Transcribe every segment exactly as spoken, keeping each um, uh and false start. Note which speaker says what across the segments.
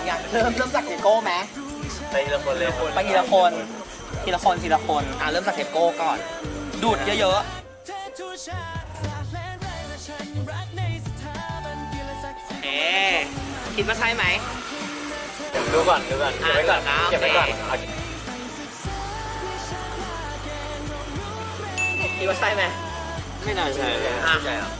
Speaker 1: อย่างเริ่มเริ่มจากเทโก้ไหม
Speaker 2: ไปทีละคนเลย
Speaker 1: ไปทีละคนทีละคนทีละคนอ่ะเริ่มจากเทโก้ก่อน ดูดเยอะๆเอ๊คิดว่าใช่ไหม
Speaker 2: ดูก่อนดูก่อนเก็บไว้ก่อนเก็บไว้ก่อน
Speaker 1: คิดว่าใช่ไหม
Speaker 2: ไม่น่าใช่อ่ะใช่หรอ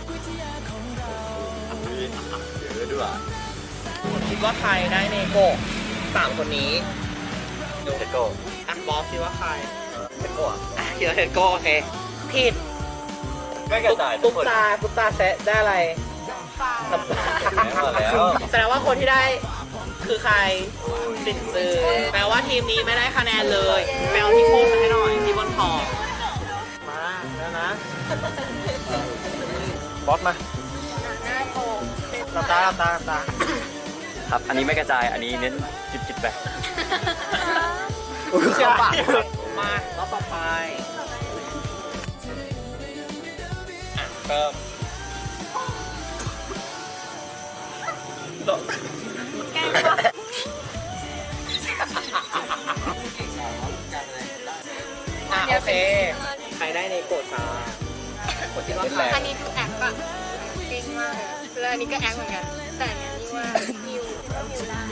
Speaker 2: เยอะด้วย
Speaker 1: คิดว่าใครได้เนโกะสามคนนี้
Speaker 2: ดูเทโก้
Speaker 1: อ่ะบอสคิดว่าใคร
Speaker 2: เทโก้อะ
Speaker 1: อ่ะคิดว่าเทโก้โอเคผิด
Speaker 2: ไม่กระจายทุ
Speaker 1: ตุ๊
Speaker 2: ก
Speaker 1: ก
Speaker 2: คน
Speaker 1: ตาตุ๊กตาแซะได้อะไรน้ำปลา
Speaker 2: แล้ว
Speaker 1: แสดงว่าคนที่ได้คือใครติดซื้อแปลว่าทีมนี้ไม่ได้คะแนนเลยแปลว่าที่โค้ดมาให้หน่อยที่บนคอมาแล้วนะ
Speaker 2: บอสมา
Speaker 1: หลับตาหลับตาหลับตา
Speaker 2: ครับ อันนี้ไม่กระจาย อันนี้เน้นจิบจิบไป
Speaker 1: เข้าปากมาแล้วต่อไปอ่ะเริ่มอ่ะโอเค ใครได้ในโกดมาคนที่ว่าใคร
Speaker 3: อันนี้ดูแอคอะเก่งมากเลยแล้วอันนี้ก็แอคเหมือนกัน แต่อันนี้ว่ามิวก็มิวได้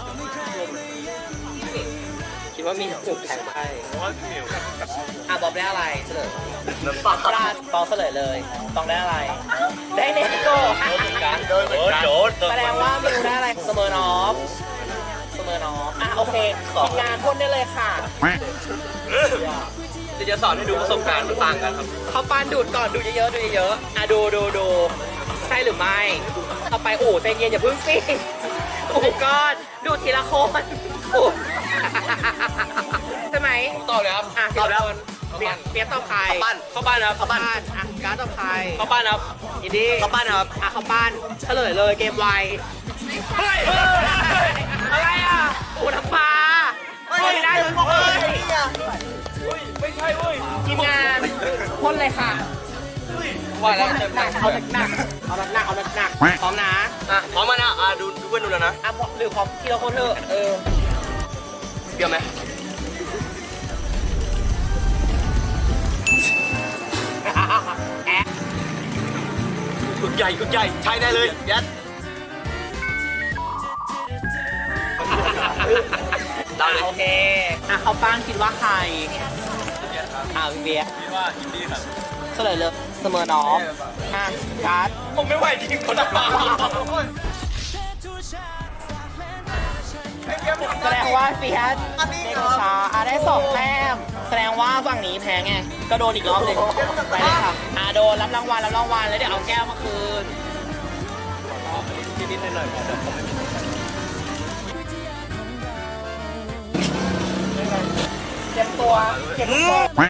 Speaker 1: คิดว่ามีจุดแข็งไปอ่ะบอบได้อะไรเฉลย
Speaker 2: น้ำปลา
Speaker 1: ปลาตองเฉลยเลยตองได้อะไร ได้เนโก้
Speaker 2: โดนโดนโดน
Speaker 1: แสดงว่ามิวได้อะไรเสมอนอฟเสมอนอฟอ่ะโอเคทีมงานพ่นได้เลยค่ะ
Speaker 2: เดี๋ยวจะสอนให้ดูประสบการณ์มันต่างกันครับ
Speaker 1: เขาปานดูดก่อนดูเยอะๆดูเยอะๆอ่ะดูดูดูใช่หรือไม่เอาไปโอ้ใจเย็นอย่าเพิ่งสิโอ้ก้อนดูทีละคนโอ้ใช่ไหม
Speaker 2: ตอบเลยครับ
Speaker 1: อ่ะทีละคนเปียกเปียกตอบใคร
Speaker 2: เข้าบ้านเข้าบ้านครับเข้าบ้าน
Speaker 1: อ่ะการดตอบใคร
Speaker 2: เข้าบ้านครับ
Speaker 1: อินดี้
Speaker 2: เข้าบ้านครับ
Speaker 1: อ่ะเข้าบ้านเฉลยเลยเกมไวเฮ้ยอะไรอ่ะโอ้น้ำปลาเฮ้ยได้เลยเฮ้ย
Speaker 2: ไม่ใช่เว้ย
Speaker 1: ทีมงานพ่นเลยค่ะ
Speaker 2: ว่าแล้ว
Speaker 1: หนักๆเอาหนักๆเอาหนักๆเอาหนักๆพร้อมนะ
Speaker 2: อ่ะพร้อมมานะอ่ะดูดูเพื่อนดูแล้วนะ
Speaker 1: อ่ะพร้อมหรือพร้อมทีละคนเถอะเออ
Speaker 2: เดี๋ยวไหม
Speaker 1: แอะ
Speaker 2: กุดใหญ่กุดใหญ่ใช้ได้เลยยัดได้เลย
Speaker 1: โอเคอ่ะเขาป้านคิดว่าใครอ่ะพี่เบียร์
Speaker 2: คิดว่าอินดี้ครับ
Speaker 1: เฉลยเลยเสมอน้องอ่ะการ์ด
Speaker 2: ผมไม่ไหวจริงคนละ
Speaker 1: แสดงว่าเฟียสเด็กช้าอ่ะได้สองแต้มแสดงว่าฝั่งนี้แพ้ไงก็โดนอีกรอบหนึ่งไปเลยค่ะอ่ะโดนรับรางวัลรับรางวัลแล้วเดี๋ยวเอาแก้วมาคืน
Speaker 2: นิดๆหน่อยๆเดี๋ยวผมไม่มี
Speaker 1: เตรียมตัวเก็บตัว